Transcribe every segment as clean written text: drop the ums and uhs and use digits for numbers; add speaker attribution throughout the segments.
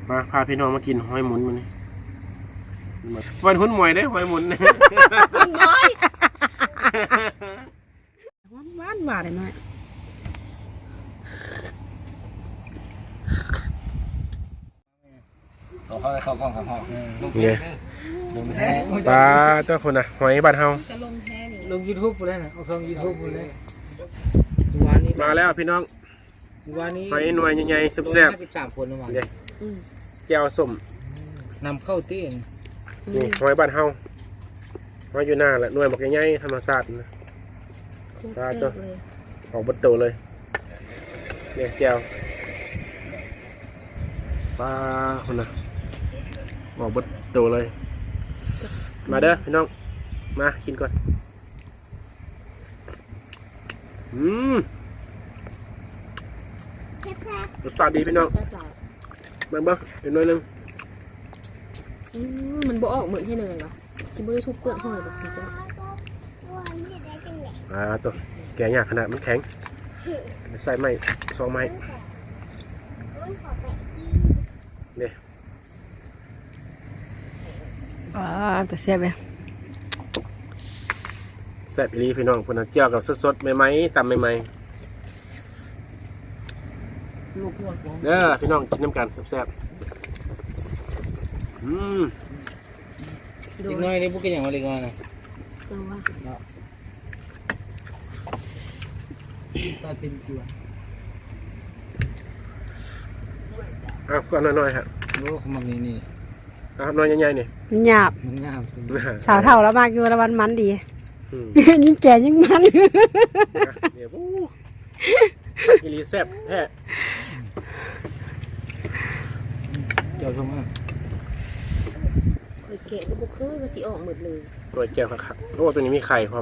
Speaker 1: มาพาพี่น้องมากินหอยหมุนมันนี่วันหุ้นหมวยได้หอยหมุน
Speaker 2: น้อยหวานหวานเลยน้อย
Speaker 3: สองข้อเข้ากล้องสองข้อลงแท้
Speaker 1: ปลาเจ้าคนน่ะหอยบ้านเฮา
Speaker 2: จะลงแท้นี่
Speaker 3: ลง YouTube กูได้นะเอาช่อง YouTube กูได้
Speaker 1: มาแล้วพี่น้องหอยหน่วยใหญ่ๆแซ่บ
Speaker 3: ๆ13คนมา
Speaker 1: แก้วส้ม
Speaker 3: นำเข้าตีน
Speaker 1: นี่หอยบ้านเฮาหอยอยู่หน้าแหละหน่วยบอกใหญ่ๆธรรมชาตินะปลาตัวออกบดโตเลยเนี่ยแก้วปลาคนน่ะออกบดโตเลยมาเด้อพี่น้องมากินก่อนรสชาติดีพี่น้องมาบ้างเดี๋ยวน้อยนึง
Speaker 2: มันบ่ออกเหมือนให้เนยหรอชิบุได้ทุบเปลือกหอยแบบนี้จ้ะ
Speaker 1: ตัวแกะยากขนาดมันแข็งใส่ไม้สองไม้เนี่ย
Speaker 2: แต่แซ่บเลย
Speaker 1: แซ่บอีหลีพี่น้องพนักเจียวกับสดๆใหม่ๆตำใหม่ๆเด้อพี่น้องกินน้ำกันแซ่บ
Speaker 3: เล็กน้อยนี่พวกกินอย่างไรเล็กน้อยนะตาเป็นตัว
Speaker 1: ก็น้อยๆฮะ
Speaker 3: โอ้ขมักนี่
Speaker 1: น้อยใหญ่ๆนี่
Speaker 2: หยาบสาวเท่าแล้วมากอยู่ละวันมันดียิ่งแก่ยิ่งมัน
Speaker 1: เดี๋ยวอีลีแซ่บแท้
Speaker 3: เจ้าชมอ่ะ
Speaker 2: เคยแกะก็บุกเคยก็สีออกหมดเลย
Speaker 1: ตัวแก้วครับโอ้ตัวนี้มีไข่ความ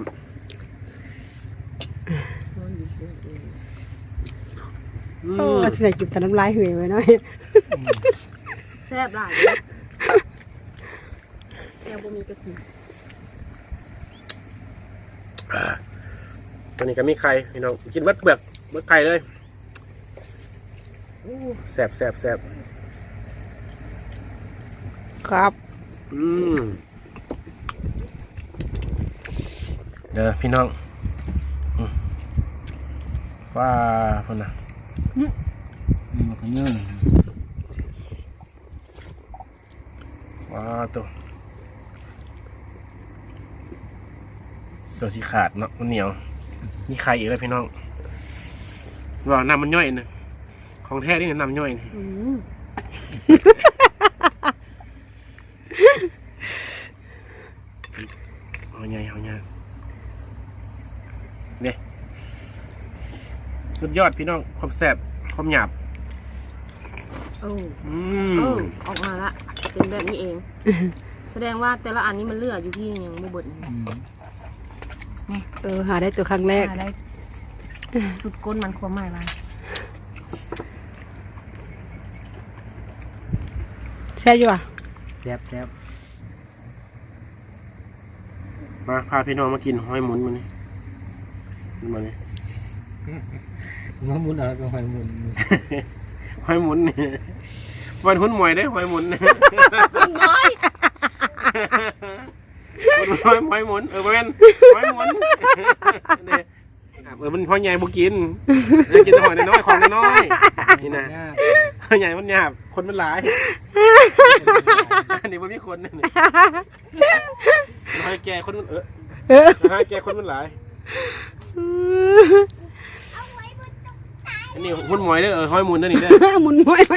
Speaker 2: ก็ใส่จุดแต่น้ำลายเหื่อยไว้หน่อยแซ่บหลายแซ่บบ่มีกระถิ่น
Speaker 1: ตัวนี้ก็มีไข่พี่น้องกินเบิดเปลือกเบิดไข่เลยแซ่บ
Speaker 2: ครับ
Speaker 1: เด้อพี่น้องว้าคนน่ะ
Speaker 3: นี่มันก็เนื้อ
Speaker 1: ว้าตัวโซสีขาดเนาะมันเหนียวมีไข่อีกแล้วพี่น้องว่าน้ำมันย่อยนะของแท้นี่น้ำย่อยนะเอาใหญ่เนี่ยสุดยอดพี่น้องความแซ่บความหยาบ
Speaker 2: ออกมาละเป็นแบบนี้เองแสดงว่าแต่ละอันนี้มันเลือดอยู่ที่ยังไม่บดหาได้ตัวครั้งแรกหาได้สุดก้นมันความหมายมันแซ่บอยู่อ่ะ
Speaker 3: แซ่บ
Speaker 1: มาพาพี่น้องมากินหอยหมุนมันนี่มาเลย
Speaker 3: มาหมุนอะไรก็หอยหมุน
Speaker 1: หอยหมุนนี่วันหุ้นหมวยได้หอยหมุน
Speaker 2: น้อย
Speaker 1: หอยหมุนเป็นหอยหมุนมันหอยใหญ่บุกินกินแต่หอยน้อยของน้อยนี่นะหอยใหญ่มันหยาบคนมันหลายอันนี้มันมีคนนี่หอยแก่คนมันหอยแก่คนมันหลายอันนี้หุ้นหมวยเด้อหอยหมุนนั่นนี่เด้อ
Speaker 2: หมุนหอยห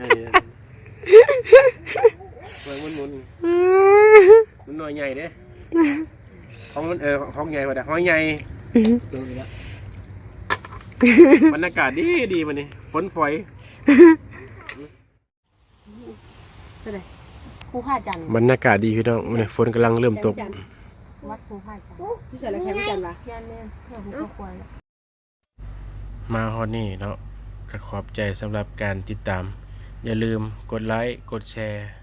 Speaker 1: มุนมันหน่อยใหญ่เด้ของมันของใหญ่กว่าแต่หอยใหญ่บรรยากาศดีมันนี่ฝนฝอย
Speaker 2: ภูผาจันทร์
Speaker 1: บรรยากาศดีพี่น้องมันฝนกำลังเริ่มตก
Speaker 2: วัดภูผาจันทร์พี่เสร็จแล้วแค่พี่จันทร์ปะยันเนี่ยภูเขาควาย
Speaker 1: มาฮอดนี่เนาะก็ขอบใจสำหรับการติดตามอย่าลืมกดไลค์กดแชร์